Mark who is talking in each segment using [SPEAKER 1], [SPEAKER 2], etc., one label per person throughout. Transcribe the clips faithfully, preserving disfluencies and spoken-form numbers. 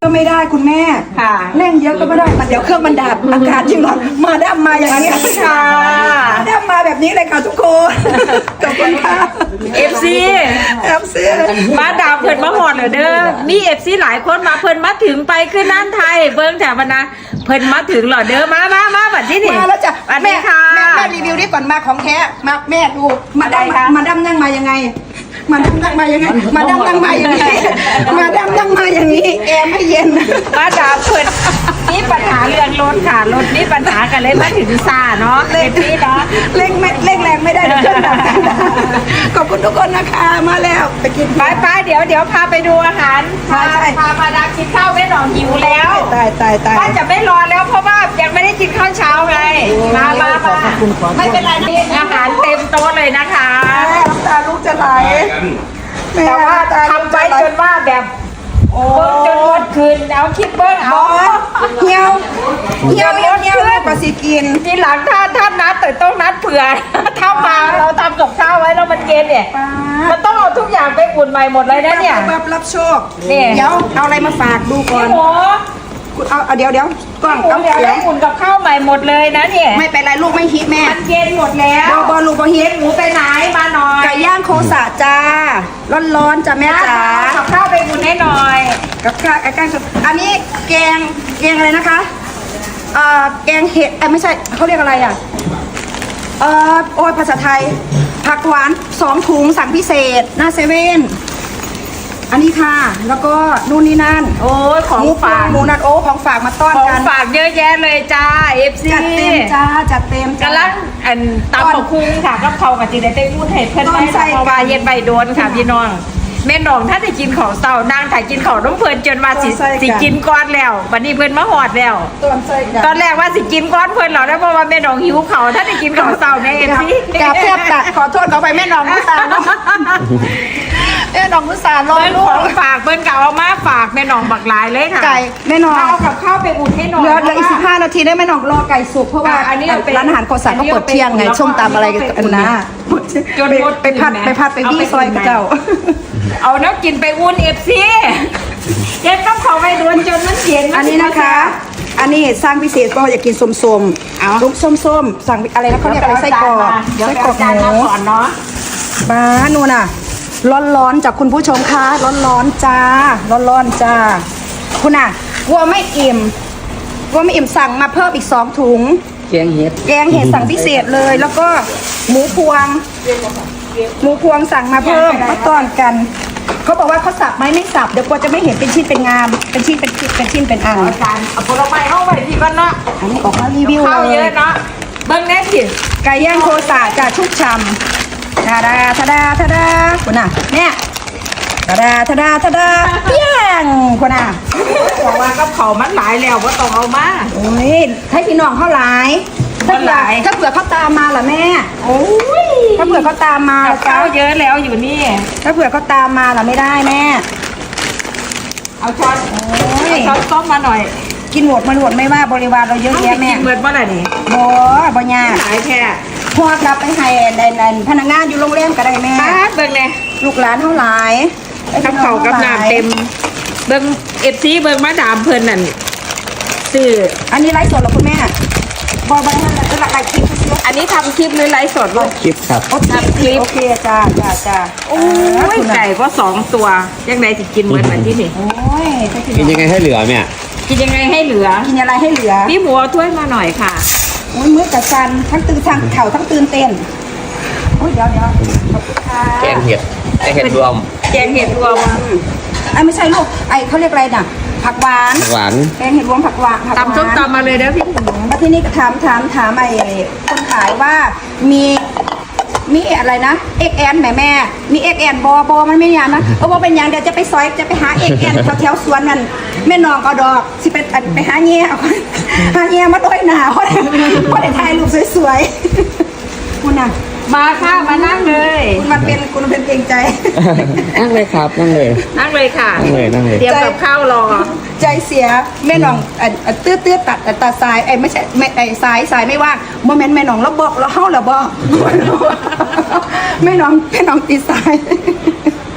[SPEAKER 1] ก็ไม่ได้คุณแม่ค่ะเร่งเยอะก็ไม่ได้มันเดี๋ยวเครื่องมันดับอากาศยิ่งร้อนมาดับมาอย่างนี้ค่ะมาดับมาแบบนี้เลยค่ะทุกคนขอบคุณค่ะ
[SPEAKER 2] เอฟซี
[SPEAKER 1] เอฟซี
[SPEAKER 2] มาดามเพิ่นมาหอดเหรอเด้อมีเอฟซีหลายคนมาเพิ่นมาถึงไปขึ้นนั่นไทยเบิ้งแถวนะเพิ่นมาถึงเหรอเด้อมามามาบัดที่นี่
[SPEAKER 1] มาแล้วจ้ะ
[SPEAKER 2] บัด
[SPEAKER 1] แม่
[SPEAKER 2] นี้ค่ะ
[SPEAKER 1] แม่แม่รีวิวนี่ก่อนมาของแท้มาแม่ดูมาดับมาดับนั่งมายังไงมาดับนั่งมายังไงมาดับนั่งมาอย่างนี้มาดับนั่งมาอย่างนี้แอร์ไม่เย็น
[SPEAKER 2] มาดามเพิ่นมีปัญหาเรื่องรถค่ะรถมีปัญหากันเลยมาถึงซาเนาะเอฟซีเนาะ
[SPEAKER 1] เร่งไม่เร่งแรงไม่ได้เดี๋ยวเครื่องดับขอบคุณทุกคนนะคะมาแล้วไปกิน
[SPEAKER 2] ไปไปเดี๋ยวเดี๋ยวพาไปดูอาหาร
[SPEAKER 1] ใช่ใช่
[SPEAKER 2] พามาดามกินข้าวแม่หนองหิวแล้ว
[SPEAKER 1] ตายตายตาย
[SPEAKER 2] ว่าจะไม่รอแล้วเพราะว่ายังไม่ได้กินข้าวเช้าไงมามามาไม่เป็นไรนะอาหารเต็มโต๊ะเลยนะคะ
[SPEAKER 1] แม่น้ำตาลูกจะไหล
[SPEAKER 2] แต่ว่าทำไปจนว่าแบบโอ้จนหมดคืนเอาคิดเบิ้ง
[SPEAKER 1] บ
[SPEAKER 2] เอา
[SPEAKER 1] อสเหี่ยวเหี่ยวเหี่ยวเหี่ยวกว่าสิกิน
[SPEAKER 2] ทีหลังถ้าถ้านัดแต่ต้องนัดเผื่อ ถ้ามาเราทำกับข้าวไว้แล้วมันเย็นเนี่ยมันต้องเอาทุกอย่างไปอุ่นใหม่หมดเลยนะเนี่ย
[SPEAKER 1] แบบรับโชค
[SPEAKER 2] นี่
[SPEAKER 1] เดี๋ยวเอาอะไรมาฝากดูก่อ
[SPEAKER 2] พี่
[SPEAKER 1] น
[SPEAKER 2] หมู
[SPEAKER 1] เอาเอาเดี๋ยวเดี๋ยวกล้อง
[SPEAKER 2] พี่หมู
[SPEAKER 1] เอา
[SPEAKER 2] เดี๋ยว
[SPEAKER 1] เดี๋ยว
[SPEAKER 2] ให้อุ่นกับข้าวใหม่หมดเลยนะเนี่ย
[SPEAKER 1] ไม่เป็นไรลูกไม่ฮิตแม่
[SPEAKER 2] มันเย็นหมดแล้ว
[SPEAKER 1] บอบอลูกบอฮิต
[SPEAKER 2] หมูไปไหนมาหน่อย
[SPEAKER 1] ไก่ย่างโคสะจ้าร้อนๆจ้าแม่จ๋า
[SPEAKER 2] กับข้าวไปอุ่นให้หน่อย
[SPEAKER 1] กับข้าวไก่ย่างอันนี้แกงแกงอะไรนะคะเอ่อแกงเห็ดเอ้ยไม่ใช่เขาเรียกอะไรอ่ะเอ่อโอ้ยภาษาไทยผักหวานสองถุงสั่งพิเศษหน้าเซเว่นอันนี้ค่ะแล้วก็นู่นนี่นั่น
[SPEAKER 2] โอ้ยของ
[SPEAKER 1] หมู
[SPEAKER 2] ฝาก
[SPEAKER 1] หมูนัดโอ้ของฝากมาต้อน
[SPEAKER 2] ของ
[SPEAKER 1] กัน
[SPEAKER 2] ฝากเยอะแยะเลยจ้าเอฟซี
[SPEAKER 1] จัดเต็มจ้าจัดเต็มจ้าก
[SPEAKER 2] ำลังอันตำบักคุ้งค่ะกับเขากับจีได้ไปพูดให้เพื่อน
[SPEAKER 1] ต้
[SPEAKER 2] ไป
[SPEAKER 1] นไส้
[SPEAKER 2] เพราะว่าเย็นใบโดนค่ะพี่น้องแม่น้องถ้าได้กินของเต่านางถ่ายกินของน้องเพื่อนจนมาสิสิกินก้อนแล้ววันนี้เพื่อนมาหอดแล้ว
[SPEAKER 1] ต้นไส้
[SPEAKER 2] ตอนแรกว่าสิกินก้อนเพื่อนเหรอนะเพราะว่าแม่น้องหิวเขาถ้าได้กินของเต่าในเอฟซี
[SPEAKER 1] กาบแทบตัดขอโทษเขาไปแม่น้องมุสาเนาะแม่น้องมุสารอ
[SPEAKER 2] เพื่อน
[SPEAKER 1] ลูก
[SPEAKER 2] ของฝากเพื่อนเก่าเอามาฝากแม่น้องบักหลายเลยค่ะ
[SPEAKER 1] ไก่แม่น้อง
[SPEAKER 2] เอากับข้าวไปอุ่นให้หน่อย
[SPEAKER 1] เหลือเหลืออีกสิบห้านาทีได้แม่น้องรอไก่สุกเพราะว่า
[SPEAKER 2] อันนี้เป็น
[SPEAKER 1] ร้านอาหารโคสันก็เปิดเที่ยงไงส้มตำอะไรกันนะ
[SPEAKER 2] จนหมด
[SPEAKER 1] ไปพัดไปพัดไปวี่ซอยกับเจ้า
[SPEAKER 2] เอาน้ำกินไปอุ่นเอฟซีเย็นต้องเขาไปโดนจนมันเย็น
[SPEAKER 1] อันนี้นะคะ อันนี้สร้างพิเศษก็อยากกินส้มๆ
[SPEAKER 2] เอา
[SPEAKER 1] ลูกส้มๆสั่งอะไรนะเขาเรียกอะไรไส้กรอก
[SPEAKER 2] เดี๋ยว
[SPEAKER 1] ไส้
[SPEAKER 2] ไป
[SPEAKER 1] กรอก
[SPEAKER 2] เอาจาน
[SPEAKER 1] ห
[SPEAKER 2] มา
[SPEAKER 1] มู
[SPEAKER 2] ก่อนเนาะ
[SPEAKER 1] บ้านูนน่ะ ร้อนๆจากคุณผู้ชมค่ะร้อนๆจ้าร้อนๆจ้าคุณน่ะกลัวไม่อิ่มกลัวไม่อิ่มสั่งมาเพิ่มอีกสองถุง
[SPEAKER 3] แกงเห็ด
[SPEAKER 1] แกงเห็ดสั่งพิเศษเลย แล้วก็หมูพวง หมูพวงสั่งมาเพิ่มมาต้อนกัน เขาบอกว่าเขาสับไหมไม่สับเดี๋ยวกลัวจะไม่เห็นเป็นชิ้นเป็นงาม เป็นชิ้นเป็นชิ้นเป็นชิ้นเป็นอัน
[SPEAKER 2] เอาจานเอาผลไม้เข้าไปที่ก่อนเนาะ
[SPEAKER 1] อันนี้ออกมารีวิว
[SPEAKER 2] ข้าว
[SPEAKER 1] เล
[SPEAKER 2] เย
[SPEAKER 1] ย
[SPEAKER 2] อะเนาะเบิ้งแน่สิ
[SPEAKER 1] ไก่ย่างโคสาจะชุบชำทาดาทาดาทาดาคุณน่ะเนี่ยทาดาทาดาทาดาเปี้ยงคุณน่ะ
[SPEAKER 2] บอกว่ากับเขามันหลายแล้วว่าต้องเอามา
[SPEAKER 1] โอ้ยให้พี่น้องเขาหลายถ้า
[SPEAKER 2] เขาห
[SPEAKER 1] เผื่อ
[SPEAKER 2] ลาย
[SPEAKER 1] ถ้าเผื่อเขาตามมาล่ะแม่
[SPEAKER 2] โอ้ย
[SPEAKER 1] ถ้าเผื่อเขาตามมา
[SPEAKER 2] กับ
[SPEAKER 1] ล่ะ
[SPEAKER 2] ข้า
[SPEAKER 1] จ้าว
[SPEAKER 2] เยอะแล้วอยู่นี่
[SPEAKER 1] ถ้าเผื่อเขาตามมาล่ะไม่ได้แม่
[SPEAKER 2] เอาช้อน
[SPEAKER 1] โอ้ย
[SPEAKER 2] เอาช้อนส้มมาหน่อย
[SPEAKER 1] กินหมดมันหมดไม่ว่าบริวารเราเยอะ
[SPEAKER 2] ต้อง
[SPEAKER 1] แยะ
[SPEAKER 2] ไป
[SPEAKER 1] แม่
[SPEAKER 2] กินเบิดว่าอะไรนี่
[SPEAKER 1] บ่บ่ยาก
[SPEAKER 2] หลายแท้
[SPEAKER 1] พวกรับไปให้ในในพนักงานอยู่โรงแรมก็ได้แม่
[SPEAKER 2] ป้าดเบิ้งเลย
[SPEAKER 1] ลูกหลานเท่าหลาย
[SPEAKER 2] กับเขากับน้ำเต็ม เบิ้งเอฟซีเบิ้งมาดามเพิ่นนั่นซื้อ
[SPEAKER 1] อันนี้ไลฟ์สดเหรอคุณแม่บอบนั่นแหละจะหลักไก่คลิปเสีย
[SPEAKER 2] อันนี้ทำคลิปหรือไลฟ์สดลูก
[SPEAKER 3] คลิปครับ
[SPEAKER 1] โอเคโอเคจ้าจ้าจ้า
[SPEAKER 2] โอ้ยไก่ก็สองตัวยังไงสิกินเหมือนวันที่นี่
[SPEAKER 1] โอ้ยใช่
[SPEAKER 3] กินยังไงให้เหลือเนี่ย
[SPEAKER 2] กินยังไงให้เหลือ
[SPEAKER 1] กินอะไรให้เหลือ
[SPEAKER 2] พี่หมูเอาถ้วยมาหน่อยค่ะ
[SPEAKER 1] โอ้ยมื้อกับจันทั้งตื่นทั้งเข่าทั้งตื่นเต้นโอ้ยเดี๋ยวเดี๋ยวขอบคุณค่ะ
[SPEAKER 3] แกงเห็ดแกงเห็ดรวม
[SPEAKER 2] แกงเห็ดรวม
[SPEAKER 1] ไอ้ไม่ใช่ลูกไอ้เขาเรียกอะไรน่ะผักหวาน
[SPEAKER 3] หวาน
[SPEAKER 1] แกงเห็ดรวมผักหวานผักหวาน
[SPEAKER 2] ตำส้มตำมาเลยเด้อพี่หมู
[SPEAKER 1] แล้วที่นี่ก็ถามถามถามไอ้คนขายว่ามีมีอะไรนะเอ็กแอนแม่แม่มีเอ็กแอนบอบอมันไม่ยานนะเออว่าเป็นอย่างเดี๋ยวจะไปซอยจะไปหาเอ็กแอนแถวแถวสวนนั่นแม่น้องก็ดอกสิไปอันไปหาเงี้ยหาเงี้ยมาด้วยหนาเพราะเพราะได้ถ่ายรูปสวยๆคุณน่ะ
[SPEAKER 2] มาค่ะมานั่งเลย
[SPEAKER 1] คุณมันเป็นคุณมันเป็นเกรงใจ
[SPEAKER 3] นั่งเลยครับนั่งเลย
[SPEAKER 2] นั่งเลยค่ะ
[SPEAKER 3] นั่งเลยนั่งเลย
[SPEAKER 2] เตรียมกับข้าวรอ
[SPEAKER 1] ใจเสียแม่น้องเอ่อตื้อตื้อตัดตัดสายไอ้ไม่ใช่ไม่ไอ้สายสายไม่ว่างโมเมนต์แม่น้องแล้วบอกแล้วเฮาแล้วบอกแม่น้องแม่น้องตีสาย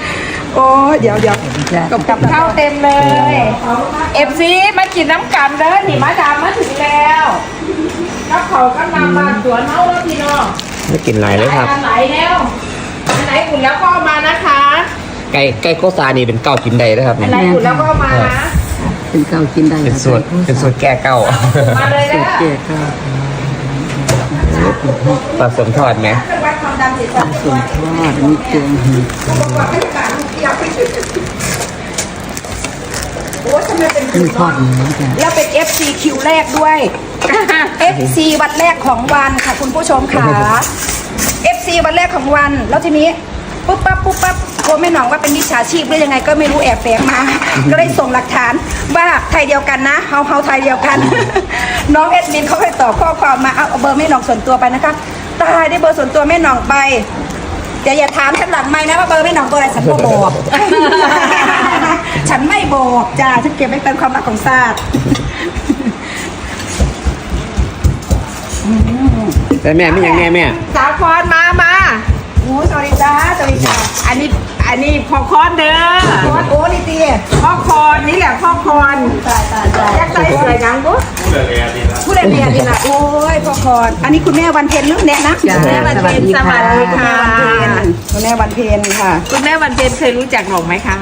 [SPEAKER 1] โอ้เดี๋ยวเดี๋ยว
[SPEAKER 2] กับกับข้าวเต็มเลยเอฟซีมากินน้ำกันเด้อนี่มาดามมาถึงแล้วกับเขาก็นำมาสวนเฮาแล้วพี่น้อง
[SPEAKER 3] ไม่กินไรเลยครับ
[SPEAKER 2] อันไหนแล้วอันไหนอุ่นแล้วก็เอามานะคะ
[SPEAKER 3] ไก่ไก่โคซานี่เป็นเก้ากินได้นะครับ
[SPEAKER 2] อันไหนอุ่นแล้วก็เอามานะ
[SPEAKER 4] เป็นเก้ากินได้
[SPEAKER 3] เป็นสูตรเป็นสูตรแก้เก้า
[SPEAKER 2] มาเลยนะ
[SPEAKER 4] เจ๊ก็
[SPEAKER 3] ผสมทอดไหม
[SPEAKER 1] วัดความดันจิตสัม
[SPEAKER 4] ส่วนทอดมีเกลือหืด
[SPEAKER 1] โอ้ทำไมเป็น
[SPEAKER 4] มีทอดเนื้อจ้ะ
[SPEAKER 1] แล้วเป็น เอฟ ซี คิวแรกด้วย เอฟ ซี วันแรกของวันค่ะคุณผู้ชมค่ะ เอฟ ซี วันแรกของวัน แล้วทีนี้ปุ๊บปั๊บปุ๊บปั๊บกลัวแม่หนองว่าเป็นมิจฉาชีพหรือยังไงก็ไม่รู้แอบแฝงมา ก็เลยส่งหลักฐานว่าไทยเดียวกันนะเฮาเฮาไทยเดียวกัน น้องเอ็ดมินเขาเคยตอบข้อความมาเอาเอาเบอร์แม่หนองส่วนตัวไปนะคะตายได้เบอร์ส่วนตัวแม่หนองไปอย่าอย่าถามฉันหลังไม่นะว่าเบอร์แม่หนองเบอร์อะไรฉันก็บอก ฉันไม่บอกจ้าฉันเก็บไว้เป็นความลับของศาสตร์
[SPEAKER 3] แต่แม่ไม่ยังแม่แม่
[SPEAKER 2] สาวคอนมามา
[SPEAKER 1] โอ้สวัสดีจ้าสวัสดีจ้า
[SPEAKER 2] อันนี้อันนี้พอคอนเด้อ
[SPEAKER 1] โอ้โอ้นี่ตี
[SPEAKER 2] พ่อคอนนี่แหละพ่อคอน
[SPEAKER 1] ตายตายตาย
[SPEAKER 2] แยกใจเสือยังปุ๊
[SPEAKER 1] ผู้เรียนเรียนดีละโอ้ยพ่อคอนอันนี้คุณแม่วันเพ็ญเรื่องเนี้ยนะ
[SPEAKER 4] จ้ะ
[SPEAKER 2] แม่วัน
[SPEAKER 4] สวัส
[SPEAKER 2] เพ็ญ
[SPEAKER 4] ดี
[SPEAKER 2] ส
[SPEAKER 4] ค่ะ
[SPEAKER 2] วัสดีค่ะ
[SPEAKER 1] คุณแม่วันเพ็ญค่ะ
[SPEAKER 2] คุณแม่วันเพ็ญเคยรู้จักหนองไหมคะ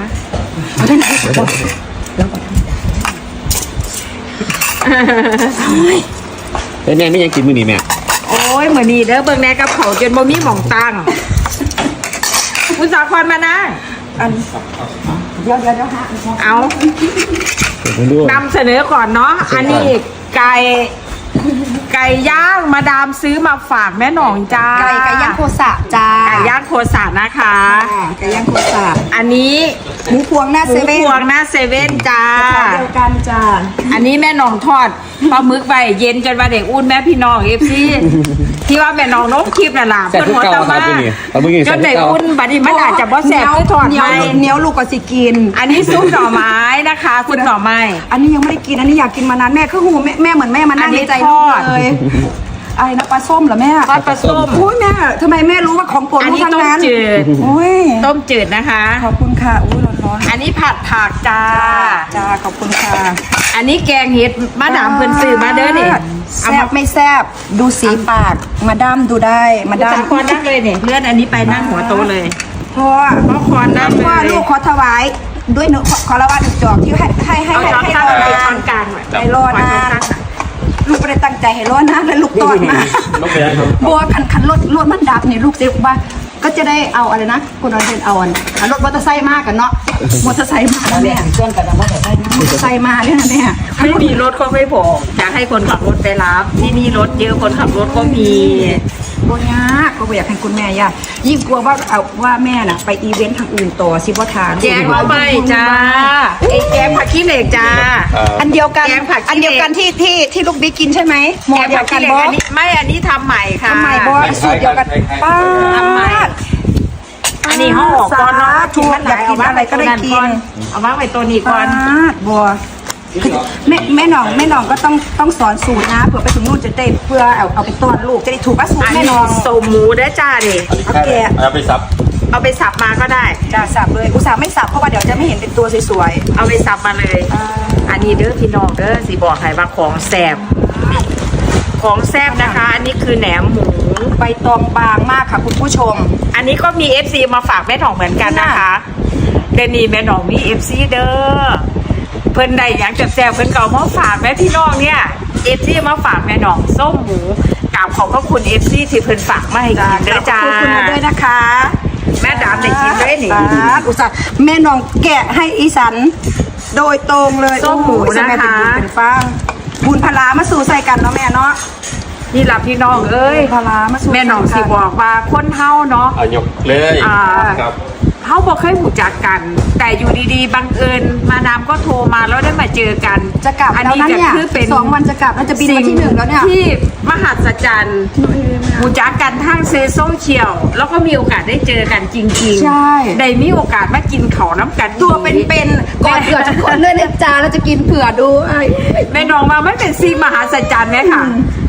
[SPEAKER 3] แต่แม่ไม่ยังกินมื้อนี้แม่
[SPEAKER 2] โอ้ยเหมือนนี่เด้อเบิ่งแน่กับเขาจนบ่มีหม่องตั้งคุณสาวคอนมานั่ง
[SPEAKER 1] อันเดี๋ยวเดี๋ยวเดี๋ยวฮะ
[SPEAKER 2] เอา
[SPEAKER 3] ผมดู
[SPEAKER 2] นำเสนอก่อนเนาะอันนี้ไก่ไก่ย่างมาดามซื้อมาฝากแม่หนองจ้า
[SPEAKER 1] ไก่ไก่ย่างโคสะจ้า
[SPEAKER 2] ไก่ย่างโคสานะคะ
[SPEAKER 1] อ่าไก่ย่างโคสะ
[SPEAKER 2] อันนี้
[SPEAKER 1] หมูพวงหน้า
[SPEAKER 2] ห
[SPEAKER 1] เซ
[SPEAKER 2] มู
[SPEAKER 1] เว่น
[SPEAKER 2] พวงหน้าเซเว่นจ้า
[SPEAKER 1] เดียวกันจ้า
[SPEAKER 2] อันนี้แม่หนองทอดปลาหมึกใบเย็นจนว่าเด็กอุ่นแม่พี่น้องเอฟซีที่ว่าแม่หนองนกคลิปน่ะล่ะ
[SPEAKER 3] แซ่บ
[SPEAKER 2] เพิ่น
[SPEAKER 3] ทุก
[SPEAKER 2] หัว
[SPEAKER 3] เก้า
[SPEAKER 2] ตะ
[SPEAKER 3] ครับ
[SPEAKER 2] มา
[SPEAKER 3] มื้อนี้เอามื้อนี้
[SPEAKER 2] จ
[SPEAKER 3] แซ่บ
[SPEAKER 2] น
[SPEAKER 3] ทุก
[SPEAKER 2] เด็ก
[SPEAKER 3] เก้า
[SPEAKER 2] อุ่นบัดนี้มันอาจจะบ่แซ่บคือทอด
[SPEAKER 1] เหนี
[SPEAKER 2] ไห
[SPEAKER 1] ย
[SPEAKER 2] ม
[SPEAKER 1] วเหนียวลูกก็สิกิน
[SPEAKER 2] อันนี้ซุปหน่อไม้นะคะคุณหน่อไม้
[SPEAKER 1] อันนี้ยังไม่ได้กินอันนี้อยากกินมานานแม่คือหูแม่แม่เหมือนแม่มานั่ง
[SPEAKER 2] อันนี้
[SPEAKER 1] ในใจ
[SPEAKER 2] ท
[SPEAKER 1] ลู
[SPEAKER 2] อก ด
[SPEAKER 1] เลยอะไรนะปลาส้มเหรอแม่
[SPEAKER 2] ทอดปลาส้ม
[SPEAKER 1] โอ้ยแม่ทำไมแม่รู้ว่าของโปรด
[SPEAKER 2] อัน
[SPEAKER 1] ลูก
[SPEAKER 2] นี้
[SPEAKER 1] ทั้ง
[SPEAKER 2] ต้ม
[SPEAKER 1] นั้น
[SPEAKER 2] จืด
[SPEAKER 1] โอ้ย
[SPEAKER 2] ต้มจืดนะคะ
[SPEAKER 1] ขอบคุณค่ะอุ้ยร้อน
[SPEAKER 2] อันนี้ผัดผักจ้า
[SPEAKER 1] ๆจ้าขอบคุณค่ะ
[SPEAKER 2] อันนี้แกงเห็ดมาดามเพิ่นซื้อมาเด้อนี่เอา
[SPEAKER 1] แซ่
[SPEAKER 2] มา
[SPEAKER 1] บไม่แซ่บดูสีปากมาด้ามดูได้มา
[SPEAKER 2] คุณ
[SPEAKER 1] ด้า
[SPEAKER 2] สาม คอนนั่งเลยเนี่ยเลื่อนอันนี้ไปนั่งหัวโตะเลย
[SPEAKER 1] พ่อ
[SPEAKER 2] พ่อคอนนั่งเลย
[SPEAKER 1] พ่อลูกขอถวายด้วยหนูขอขอละว่าหนึ่งจอกที่ให้ให้ให้
[SPEAKER 2] เอา
[SPEAKER 1] ให้
[SPEAKER 2] ช้อน
[SPEAKER 1] ให้
[SPEAKER 2] ตั้ง
[SPEAKER 1] รอ
[SPEAKER 2] ไป
[SPEAKER 1] นา
[SPEAKER 2] ช้อน นกลางหน่อย
[SPEAKER 1] ให้รอนานลูกไม่ได้ตั้งใจให้รอนานแล้วลูกตอดมา
[SPEAKER 3] ต้องไปครับ
[SPEAKER 1] บัวคันคันรถรถมันดับเนี่ยลูกเด็กว่าก็จะได้เอาอะไรนะคุณนอนเรียนเอาอันอ่ะรถมอเตอร์ไซค์มากกันเนาะมอเตอร์ไซค์มาแล้วเนี่ย
[SPEAKER 4] เครื่องกระดาษว่าจะได้นะ
[SPEAKER 1] มอเตอร์ไซค์มาเนี่ยนะเนี่ย
[SPEAKER 2] ไม่มีรถก็ไม่พออยากให้คนขับรถไปรับ ที่นี่รถเยอะคนขับรถก็มี
[SPEAKER 1] บัวยากก็บ่อยากให้คุณแม่ยากยิ่งกลัวว่าเอาว่าแม่น่ะไปอีเวนต์ทางอื่นต่อสิบ่ทาน
[SPEAKER 2] แกงมาใบจ้าไอ้แกงผักขี้เหล็กจ้า
[SPEAKER 1] อันเดียวกัน
[SPEAKER 2] แกงผักขี้เหล็ก
[SPEAKER 1] อันเดียวกันที่ที่ที่ลูกบิ๊กกินใช่ไหมหมอ
[SPEAKER 2] แกง
[SPEAKER 1] เดีย
[SPEAKER 2] ผั
[SPEAKER 1] ว
[SPEAKER 2] ก
[SPEAKER 1] กั
[SPEAKER 2] ขี้
[SPEAKER 1] น
[SPEAKER 2] เหล็ก
[SPEAKER 1] บอ
[SPEAKER 2] อันนี้ไม่อันนี้ทำใหม่ค่ะ
[SPEAKER 1] ทำไมบอสูตรเดียวกันป้า
[SPEAKER 2] ทำใหม่ อันนี้ห่อก่อนเนาะ
[SPEAKER 1] ถูกอยากกินอะไรก็ได้กิน
[SPEAKER 2] เอาวางไว้ตัวนี้ก่
[SPEAKER 1] ป้า
[SPEAKER 2] อน
[SPEAKER 1] บัวแม่แม่หน่องแม่หน่องก็ต้องต้องสอนสูตรนะเผื่อไปถึงนู่นจะได้เพื่อเอาเอาไปต้อนลูกจะได้ถูกว่าสูตร
[SPEAKER 2] อัน
[SPEAKER 1] แม่
[SPEAKER 2] นี้
[SPEAKER 1] หน่อง
[SPEAKER 2] สมหมูได้อจ้าดิ
[SPEAKER 1] โอเค
[SPEAKER 3] เอาไปซับ
[SPEAKER 2] เอาไปสับมาก็ได้
[SPEAKER 1] จ้าสับเลยอุตส่าห์ไม่สับเพราะว่าเดี๋ยวจะไม่เห็นเป็นตัวสวย
[SPEAKER 2] เอาไปสับมาเลย
[SPEAKER 1] ๆอ่า
[SPEAKER 2] อันนี้เด้อพี่น้องเด้อสิบอกให้ว่าของแซ่บของแซ่บนะคะ อันนี้คือแหนมหมู
[SPEAKER 1] ใบตองบางมากค่ะคุณผู้ชม
[SPEAKER 2] อันนี้ก็มี เอฟ ซี มาฝากแม่หนองเหมือนกันนะคะเดยวนี่แม่หนองมี เอฟ ซี เด้อเพิ่นได้อยากจะแซ่บเพิ่นเก่ามาฝากแม่พี่น้องเนี่ย เอฟ ซี มาฝากแม่หนองส้มหมูกราบขอบพระคุณ เอฟ ซี ที่เพิ่นฝากมาให้กินเด้อจ้า
[SPEAKER 1] ขอบคุณด้วยนะคะ
[SPEAKER 2] แม่ดามได้กินด้วยนี่
[SPEAKER 1] สาธุอุตส่าห์แม่น้องแกะให้อีสันโดยตรงเลย
[SPEAKER 2] ส้มหมู
[SPEAKER 1] โอ้โสมัยเป็น
[SPEAKER 2] นะคะ
[SPEAKER 1] บุญเป็นฟ้างบุญพลามาสู่ใส่กันเนาะแม่เนาะ
[SPEAKER 2] นี่ล่ะพี่น้องเอ้ย
[SPEAKER 1] บุญพลามาสู่
[SPEAKER 2] แม่หนองสิบอกว่าคนเฮาเนาะ
[SPEAKER 3] เอายกเลย
[SPEAKER 2] อ่า
[SPEAKER 3] ครับ
[SPEAKER 2] เขาบอกเคยหูจักกัน แต่อยู่ดีๆบังเอิญมาดามก็โทรมาแล้วได้มาเจอกัน
[SPEAKER 1] จะกลับ
[SPEAKER 2] อัน
[SPEAKER 1] แล้ว
[SPEAKER 2] นี้
[SPEAKER 1] นะ
[SPEAKER 2] จะ
[SPEAKER 1] เนี่ย
[SPEAKER 2] คือเป็น
[SPEAKER 1] สองวันจะกลับแล้วจะบินมาที่หนึ่งแล้วเนี่ย
[SPEAKER 2] ที่มหัศจรรย์หูจักกันทางเซโซเชียลแล้วก็มีโอกาสได้เจอกันจริงๆ
[SPEAKER 1] ใช่
[SPEAKER 2] ได้มีโอกาสมากินเขาวน้ำกัน
[SPEAKER 1] ตัวเป็นๆก่อนเผื่อทุกคนเลยนะจ้าเราจะกินเผื่อดูไอ้
[SPEAKER 2] แม่น้องมาไม่เป็นซีมหาศจรรย์ไหมค่ะ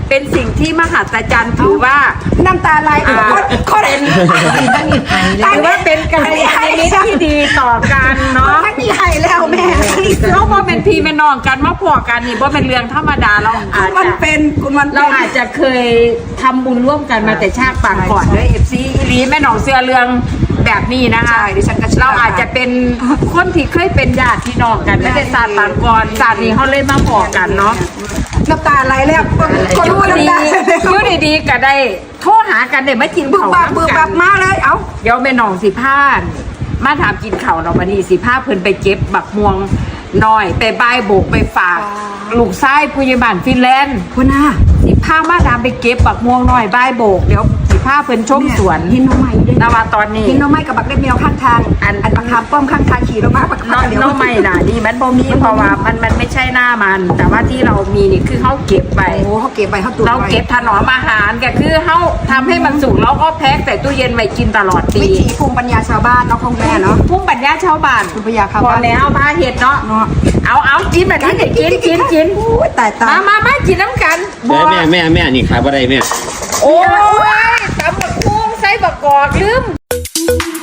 [SPEAKER 2] เป็นสิ่งที่มหัศจรรย์ถือว่า
[SPEAKER 1] น้ำตาไหล
[SPEAKER 2] อ่า
[SPEAKER 1] คนคน
[SPEAKER 4] ตั้งอีกไทยแล้
[SPEAKER 2] ถือว่าเป็นการนิมิตที่ดีต่อกันเนาะ
[SPEAKER 1] ทั้งที่ให้แล้วแม่ทั้งที่
[SPEAKER 2] เราบ่เป็นพี่เป็นน้องกันมาพอกันนี่บ่เป็นเรื่องธรรมดาเราอาจ
[SPEAKER 1] มัน
[SPEAKER 2] จะ
[SPEAKER 1] เป็นคุณมัน
[SPEAKER 2] เราอาจจะเคยทำบุญร่วมกันมาแต่ชาติปางก่อนด้วยเอฟซีอีหลีแม่หนองเสื้อเรืองแบบนี้นะคะ
[SPEAKER 1] ใช่ดิฉันก็เชื่อ
[SPEAKER 2] เราอาจจะเป็นคนที่เคยเป็นญาติพี่น้องกันไม่ได้ชาติปางก่อนชาตินี้เขาเลยมาพอกันเนาะ
[SPEAKER 1] น้ำตาไหลแล้วคน
[SPEAKER 2] อ
[SPEAKER 1] รู้
[SPEAKER 2] ยู่ดี
[SPEAKER 1] น้ำตา
[SPEAKER 2] อยู่ดีๆก็ได้โทรหากันได้มากิน
[SPEAKER 1] บึก
[SPEAKER 2] ข้าว
[SPEAKER 1] บักบึก
[SPEAKER 2] น้ำ
[SPEAKER 1] บั
[SPEAKER 2] กั
[SPEAKER 1] ก
[SPEAKER 2] น
[SPEAKER 1] มาเลยเอ้า
[SPEAKER 2] เดี๋ยวแม่หนองสิพานมาถามกินข้าวเรามานี่สิพาเพิ่นไปเก็บบักม่วงน้อยไปบายโบกไปฝากลูกชายผู้ใหญ่บ้านฟินแลนด์
[SPEAKER 1] คุณน่ะ
[SPEAKER 2] สิพามาดามไปเก็บบักม่วงน้อยบายโบกเดี๋ยวสิพาเพิ่นชมสวน
[SPEAKER 1] หินน้องใหม่ด้วย
[SPEAKER 2] นว่าตอนนี้
[SPEAKER 1] หินน้องใหม่กับบักเล็บแมวข้างทาง
[SPEAKER 2] อัน
[SPEAKER 1] อันบักคามป้อมข้างทางขี่ลงมาบัก
[SPEAKER 2] น้อง
[SPEAKER 1] เดี๋ยว
[SPEAKER 2] น้องไม่น่ะนี่มันบ่มีเพราะว่ามันมันไม่ใช่หน้ามัน แต่ว่าที่เรามีนี่คือเขาเก็บไป
[SPEAKER 1] โอ้เขาเก็บไปเขาตุน
[SPEAKER 2] เรา
[SPEAKER 1] ไว้
[SPEAKER 2] เก็บถนอมอาหารก็คือเขาทำให้มันสุกแล้วก็แพ็คใส่ตู้เย็นไว้กินตลอดปี
[SPEAKER 1] วิถีภูมิปัญญาชาวบ้านเนาะของแม่เนาะ
[SPEAKER 2] พุ่มปัญญาชาวบ้าน
[SPEAKER 1] ภูมิปัญญาชาว
[SPEAKER 2] พอ
[SPEAKER 1] บ้าน
[SPEAKER 2] แล้วพาเห็ดเนาะ
[SPEAKER 1] เนาะ
[SPEAKER 2] เอาเอากินแบบนี้เนี่ยกินกินกิน
[SPEAKER 1] โอ้ยตายตาย
[SPEAKER 2] มามามากินน้ำกัน
[SPEAKER 3] แม่แม่แม่แม่นี่ขายบ่ได้แม่
[SPEAKER 2] โอ้ยตำบักกุ้งใส่บักกอกลืม